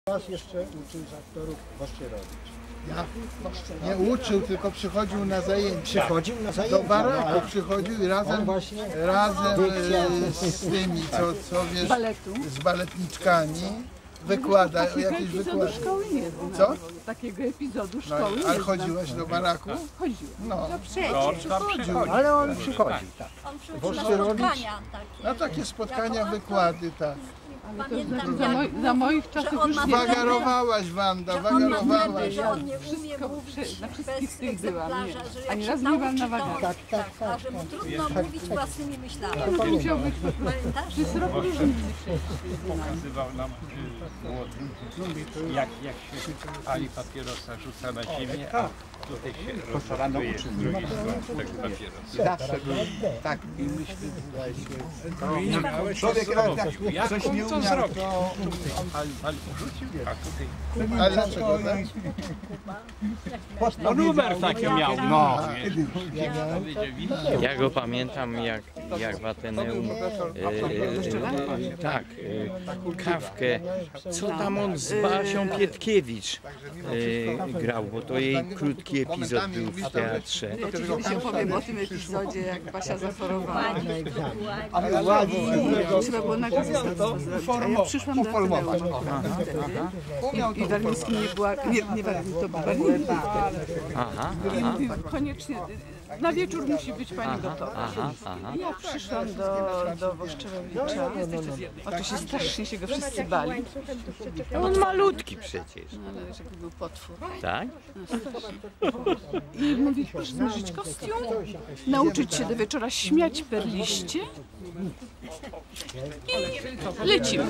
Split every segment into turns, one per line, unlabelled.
Was jeszcze uczył z aktorów Waszczyrowicz.
Ja nie uczył, tylko przychodził na zajęcia.
Przychodził na zajęcia.
Do baraku przychodził i razem z tymi, co wiesz, z baletniczkami wykłada jakieś wykłady.
Szkoły nie znam.
Co?
Takiego epizodu szkoły nie
Ale
znam.
chodziłaś do baraku?
Chodziłem.
No,
Przychodził, ale on przychodzi, tak.
On przychodził na spotkania takie.
na takie spotkania, wykłady, tak.
Ale to
Pamiętam,
znaczy za moich czasów
on
już
ma
nie.
Wagarowałaś, Wanda,
że on ma
wagarowałaś.
wtedy, że on nie umie
Wszystko
mówić
na
bez
wszystkich tych byłam, nie.
egzemplarza, że
Ani
jak
razu
się
nie byłam
nauczy,
na
to
wagach.
a że mu trudno mówić własnymi myślami.
To musiał być
Pamiętasz?
przez rok różnicy przecież.
Pokazywał nam młodym, jak się pali papierosa, rzuca na ziemię, a tutaj się rozlatuje z drugiej strony tego papierosa.
Zawsze był tak i myśli, człowiek jak coś nie umiał, to
Ale rzucił, a tutaj...
Ale dlaczego tak?
No numer taki miał, no.
Ja go pamiętam jak w Ateneum, Kawkę, co tam on z Basią Pietkiewicz grał, bo to jej krótki epizod był w teatrze.
Ja ci kiedyś opowiem o tym epizodzie, jak Basia zachorowała.
Ale ładnie.
Trzeba było na gazę zrobić. A ja przyszłam do Ateneum i Warmiński nie była, nie Warmiński, to był Warmiński wtedy. I mówił, koniecznie, na wieczór musi być pani doktor. I ja przyszłam do Waszczyrowicza. Oczywiście strasznie się go wszyscy bali.
On malutki przecież.
No, ale wiesz, jaki był potwór.
Tak?
I mówi, proszę zmierzyć kostium, nauczyć się do wieczora śmiać per liście i lecimy.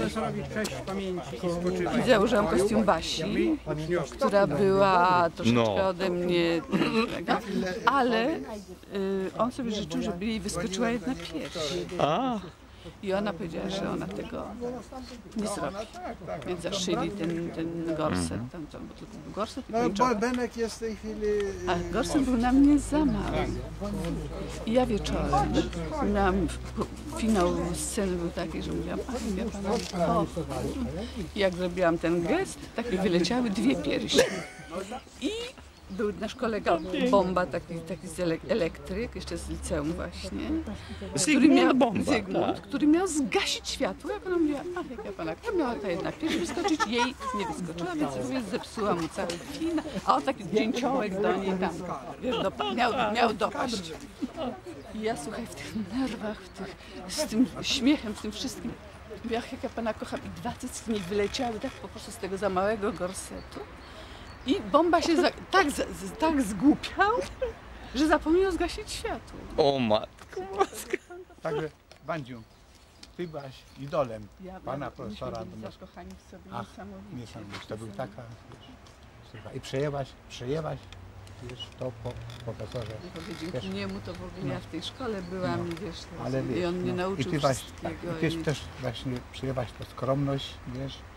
I założyłam kostium Basi, która była troszeczkę ode mnie, ale on sobie życzył, żeby jej wyskoczyła jedna pierś. I ona powiedziała, że ona tego nie zrobi. Więc zaszyli ten gorset, bo to był gorset i
No,
pończocha.
Benek jest w tej chwili...
A gorset był na mnie za mały. I ja wieczorem miałam, finał sceny był taki, że mówiłam, ach, ja pana kocham. I jak zrobiłam ten gest, tak mi wyleciały dwie piersi. I był nasz kolega Bomba, taki z elektryk, jeszcze z liceum właśnie, Zygmunt, który miał zgasić światło, jak ona mówiła, ach, jak ja pana kocham, miała ta jedna pierś wyskoczyć, jej nie wyskoczyła, więc zepsuła mu cały film, a on taki dzięciołek do niej tam, wiesz, miał dopaść. I ja, słuchaj, w tych nerwach, z tym śmiechem, z tym wszystkim, mówię, ach, jak ja pana kocham, i dwa cycki mi wyleciały tak po prostu z tego za małego gorsetu. I Bomba się tak zgłupiał, że zapomniał zgasić światło.
O matko boska.
Także Wandziu, ty byłaś idolem pana profesora.
Zakochani w sobie
Ach, niesamowicie. To był taka, wiesz, i przejęłaś, wiesz, to po profesorze.
Dzięki niemu to w ogóle ja w tej szkole byłam, wiesz,
Ale
i on mnie nauczył
i ty
wszystkiego.
też właśnie przyjęłaś tę skromność, wiesz,